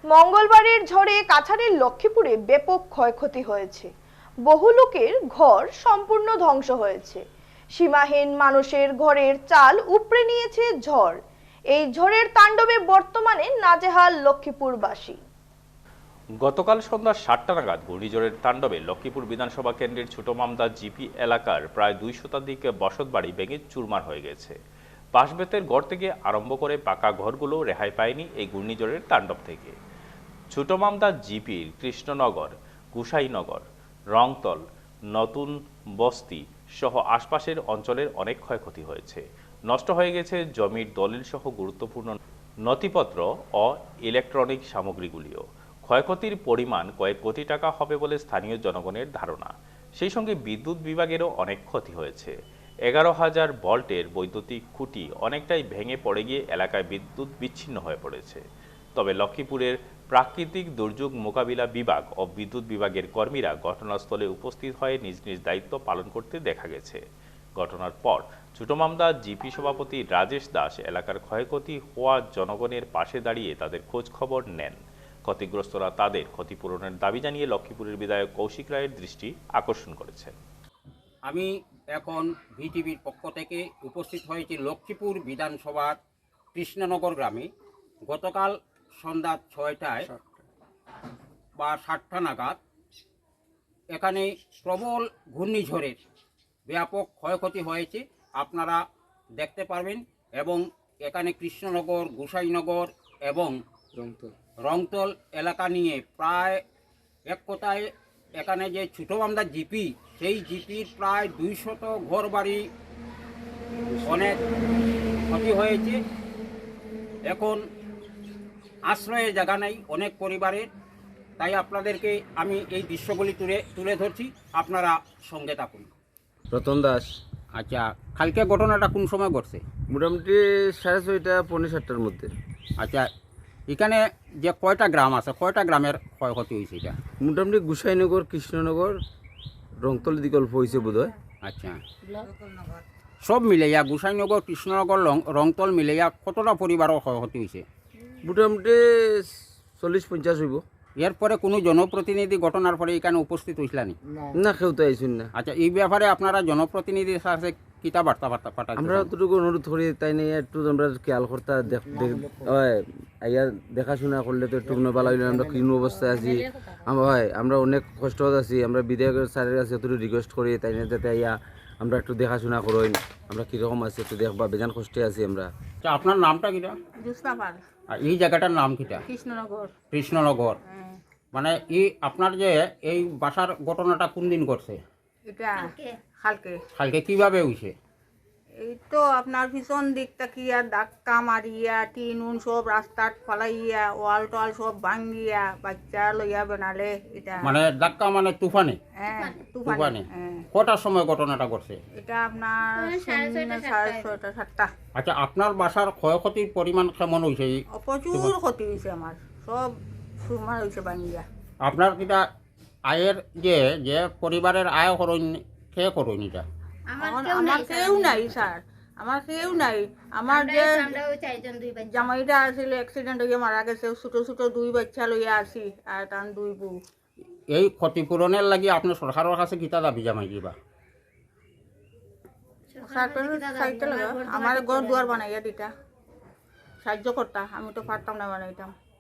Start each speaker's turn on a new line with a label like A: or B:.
A: মঙ্গলবারের ঝড়ে কাছাড়ের লক্ষ্মীপুরে ব্যাপক ক্ষয়ক্ষতি হয়েছে। বহু লোকের ঘর সম্পূর্ণ ধ্বংস হয়েছে। সীমাহীন মানুষের ঘরের চাল উপড়ে নিয়েছে ঝড়। এই ঝড়ের তাণ্ডবে বর্তমানে নাজেহাল লক্ষ্মীপুরবাসী।
B: গতকাল সন্ধ্যা 7টা নাগাদ ঘূর্ণিঝড়ের তাণ্ডবে লক্ষ্মীপুর বিধানসভা কেন্দ্রের ছোট মামদা জিপি এলাকার প্রায় 2 শতাধিক বসতবাড়ি ভেঙে চুরমার হয়ে গেছে। বাঁশ-বেতের ঘর থেকে আরম্ভ করে পাকা ঘরগুলো রেহাই পায়নি এই ঘূর্ণিঝড়ের তাণ্ডব থেকে। ছোট মামদা জিপির কৃষ্ণনগর, গুসাইনগর, রংতল, নতুন বস্তি সহ আশপাশের অঞ্চলের অনেক ক্ষয়ক্ষতি হয়েছে। নষ্ট হয়ে গেছে জমির দলিল সহ গুরুত্বপূর্ণ নথিপত্র ও ইলেকট্রনিক সামগ্রীগুলিও। ক্ষয়ক্ষতির পরিমাণ কয়েক কোটি টাকা হবে বলে স্থানীয় জনগণের ধারণা। সেই সঙ্গে বিদ্যুৎ বিভাগেরও অনেক ক্ষতি হয়েছে। 11,000 ভোল্টের বৈদ্যুতিক খুঁটি অনেকটাই ভেঙে পড়ে গিয়ে এলাকায় বিদ্যুৎ বিচ্ছিন্ন হয়ে পড়েছে। তবে লক্ষ্মীপুরের প্রাকৃতিক দুর্যোগ মোকাবিলা বিভাগ ও বিদ্যুৎ বিভাগের কর্মীরা ঘটনাস্থলে উপস্থিত হয়ে নিজ নিজ দায়িত্ব পালন করতে দেখা গেছে। ঘটনার পর ছোট মামদা জিপি সভাপতি রাজেশ দাস এলাকার ক্ষয়ক্ষতি হওয়া জনগণের পাশে দাঁড়িয়ে তাদের খোঁজ খবর নেন। ক্ষতিগ্রস্তরা তাদের ক্ষতিপূরণের দাবি জানিয়ে লক্ষ্মীপুরের বিধায়ক কৌশিক রায়ের দৃষ্টি আকর্ষণ করেছেন।
C: আমি এখন ভিটিভির পক্ষ থেকে উপস্থিত হয়েছি লক্ষ্মীপুর বিধানসভার কৃষ্ণনগর গ্রামে। গতকাল সন্ধ্যা 6টায় বা 7টা নাগাদ এখানে প্রবল ঘূর্ণিঝড়ের ব্যাপক ক্ষয়ক্ষতি হয়েছে, আপনারা দেখতে পারবেন। এবং এখানে কৃষ্ণনগর, গোসাইনগর এবং রংতল এলাকা নিয়ে প্রায় এক কথায় এখানে যে ছোট মামদা জিপি, সেই জিপির প্রায় 200 ঘর বাড়ি অনেক ক্ষতি হয়েছে। এখন আশ্রয়ের জায়গা নেই অনেক পরিবারের। তাই আপনাদেরকে আমি এই দৃশ্যগুলি তুলে ধরছি, আপনারা সঙ্গে থাকুন।
D: রতন দাস।
C: আচ্ছা, কালকে ঘটনাটা কোন সময় ঘটছে?
D: মোটামুটি 6:30 পৌনে 7টার মধ্যে।
C: আচ্ছা, এখানে যে কয়টা গ্রাম আছে, কয়টা গ্রামের ক্ষয়ক্ষতি হয়েছে এটা?
D: মোটামুটি গোসাইনগর, কৃষ্ণনগর, রংতল দিকে অল্প হয়েছে বোধ হয়।
C: আচ্ছা, সব মিলাইয়া গোসাইনগর, কৃষ্ণনগর, রংতল মিলাইয়া কতটা পরিবারও ক্ষয়ক্ষতি হয়েছে?
D: মোটামুটি 40-50 হইব।
C: এরপরে কোনো জনপ্রতিনিধি ঘটনার পরে এখানে উপস্থিত হইছিলানি?
D: না, কেউ তো আইসুন না।
C: আচ্ছা, এই ব্যাপারে আপনারা জনপ্রতিনিধির সাথে কিতা বার্তা পাঠাচ্ছেন?
D: আমরা অতটুকু অনুরোধ করি, তাই নিয়ে একটু আমরা খেয়াল করতে আইয়া দেখাশোনা করলে তো একটু ভালো হইলে। আমরা কিন অবস্থায় আছি, আমরা অনেক কষ্ট আছি। আমরা বিধায়কের স্যারের কাছে একটু রিকোয়েস্ট করি, তাই নিয়ে যাতে আইয়া আমরা একটু দেখাশোনা করেন, আমরা কীরকম আছি একটু দেখবা। বেজান কষ্টে আছি আমরা।
C: আচ্ছা, আপনার নামটা কিটা?
E: জোৎস্না পাল।
C: আর এই জায়গাটার নাম কিটা?
E: কৃষ্ণনগর।
C: কৃষ্ণনগর। মানে এই আপনার যে এই বাসার ঘটনাটা কোন দিন ঘটছে?
E: এটা কালকে।
C: কালকে কিভাবে হইছে?
E: এই তো আপনার পিছন দিক তাকিয়া ধাক্কা মারিয়া টিন উন সব রাস্তাত ফলাইয়া ওয়াল টোয়াল সব ভাঙ্গিয়া বাচ্চা লইয়া বানালে এটা।
C: মানে ধাক্কা মানে তুফানে?
E: হ্যাঁ,
C: তুফানে।
E: হ্যাঁ।
C: কটার সময় ঘটনাটা ঘটছে?
E: এটা আপনার 6:30 7টা।
C: আচ্ছা, আপনার বাসার ক্ষয়ক্ষতির পরিমাণ কেমন হয়েছে?
E: প্রচুর ক্ষতি হয়েছে আমার, সব সুরমার হয়েছে ভাঙ্গিয়া।
C: আপনার কিটা আয়ের যে যে পরিবারের আয় করুন, কে করুন এটা?
E: আমার কেউ নাই স্যার, আমার কেউ নাই। আমার যে জামাইটা আসছিল অ্যাক্সিডেন্ট হয়ে মারা গেছে, ছোট ছোট 2 বাচ্চা লইয়া আসি আর তার 2 বউ।
C: এই ক্ষতিপূরণের লাগি আপনি সরকারের কাছে কিতা দাবি জামাই দিবা?
E: আমার ঘর দুয়ার বানাইয়া দিতা, সাহায্য করতা, আমি তো পারতাম না বানাইতাম।